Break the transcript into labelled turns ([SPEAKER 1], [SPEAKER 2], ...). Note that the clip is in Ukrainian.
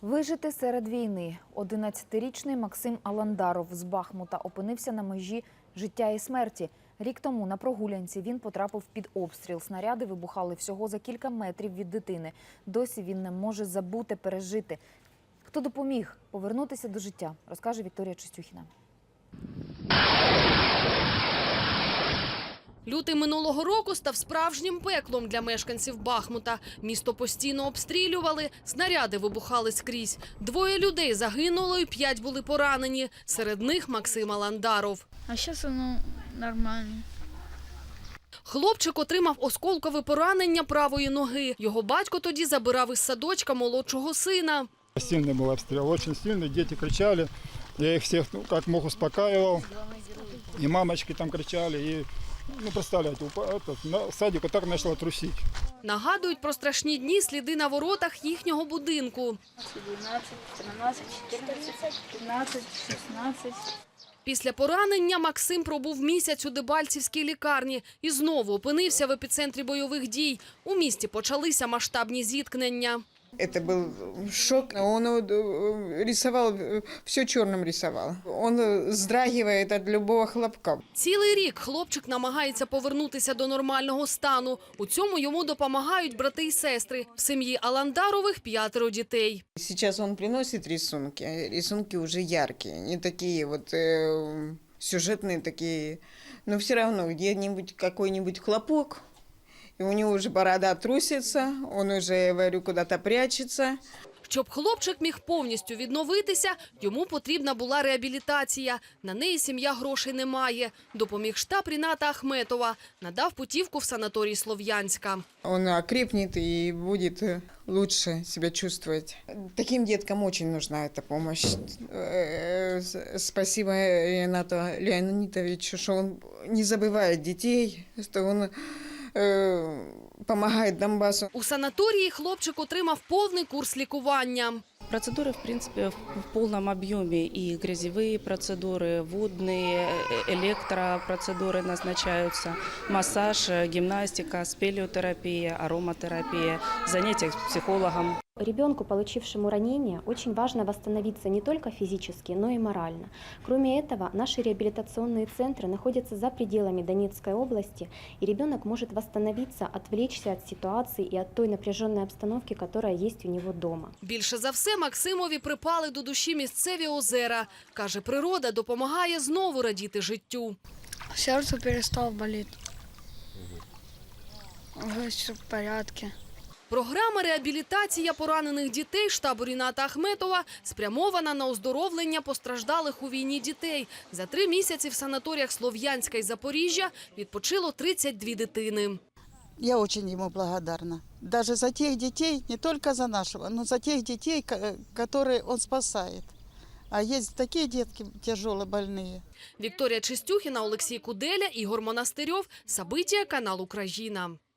[SPEAKER 1] Вижити серед війни. 11-річний Максим Аландаров з Бахмута опинився на межі життя і смерті. Рік тому на прогулянці він потрапив під обстріл. Снаряди вибухали всього за кілька метрів від дитини. Досі він не може забути, пережити. Хто допоміг повернутися до життя, розкаже Вікторія Чистюхіна.
[SPEAKER 2] Лютий минулого року став справжнім пеклом для мешканців Бахмута. Місто постійно обстрілювали, снаряди вибухали скрізь. 2 людей загинуло і 5 були поранені. Серед них Максим Аландаров.
[SPEAKER 3] А зараз воно нормально.
[SPEAKER 2] Хлопчик отримав осколкове поранення правої ноги. Його батько тоді забирав із садочка молодшого сина.
[SPEAKER 4] Сильный был обстрел, очень сильный, дети кричали. Я их всех как мог успокаивал. И мамочки там кричали. И, представляете, садик так начало трусить.
[SPEAKER 2] Нагадують про страшні дні сліди на воротах їхнього будинку.
[SPEAKER 3] 12, 13, 14, 15, 16.
[SPEAKER 2] Після поранення Максим пробув місяць у Дебальцівській лікарні і знову опинився в епіцентрі бойових дій. У місті почалися масштабні зіткнення.
[SPEAKER 5] Это был шок. Он рисовал, все черным рисовал. Он вздрагивает от любого хлопка.
[SPEAKER 2] Цілий рік хлопчик намагається повернутися до нормального стану. У цьому йому допомагають брати і сестри. В сім'ї Аландарових 5 дітей.
[SPEAKER 5] Сейчас он приносит рисунки. Рисунки уже яркие, не такие вот сюжетные такие. Но все равно где-нибудь какой-нибудь хлопок. И у него уже борода трусится, он уже, я говорю, куда-то прячется.
[SPEAKER 2] Щоб хлопчик міг повністю відновитися, йому потрібна була реабілітація. На неї сім'я грошей не має. Допоміг штаб Ріната Ахметова. Надав путівку в санаторій Слов'янська.
[SPEAKER 5] Он окрепнет и будет лучше себя чувствовать. Таким деткам очень нужна эта помощь. Спасибо Ренату Леонидовичу, что он не забывает детей, что он помогает Донбассу.
[SPEAKER 2] У санаторії хлопчик отримав повний курс лікування.
[SPEAKER 6] Процедуры, в принципе, в полном объеме. И грязевые процедуры, водные, электропроцедуры назначаются, массаж, гимнастика, спелеотерапия, ароматерапия, занятия с психологом.
[SPEAKER 7] Ребенку, получившему ранение, очень важно восстановиться не только физически, но и морально. Кроме этого, наши реабилитационные центры находятся за пределами Донецкой области, и ребенок может восстановиться, отвлечься от ситуации и от той напряженной обстановки, которая есть у него дома.
[SPEAKER 2] Більше за все Максимові припали до душі місцеві озера. Каже, природа допомагає знову радіти життю.
[SPEAKER 3] Сердце перестало болеть. Уже все в порядке.
[SPEAKER 2] Програма реабілітація поранених дітей штабу Ріната Ахметова спрямована на оздоровлення постраждалих у війні дітей. За 3 місяці в санаторіях Слов'янська і Запоріжжя відпочило 32 дитини.
[SPEAKER 8] Я очень ему благодарна. Даже за тех детей, не только за нашего, но за тех детей, которые он спасает. А есть такие детки тяжело больные.
[SPEAKER 2] Вікторія Чистюхіна, Олексій Куделя, Ігор Монастирьов. События, канал Україна.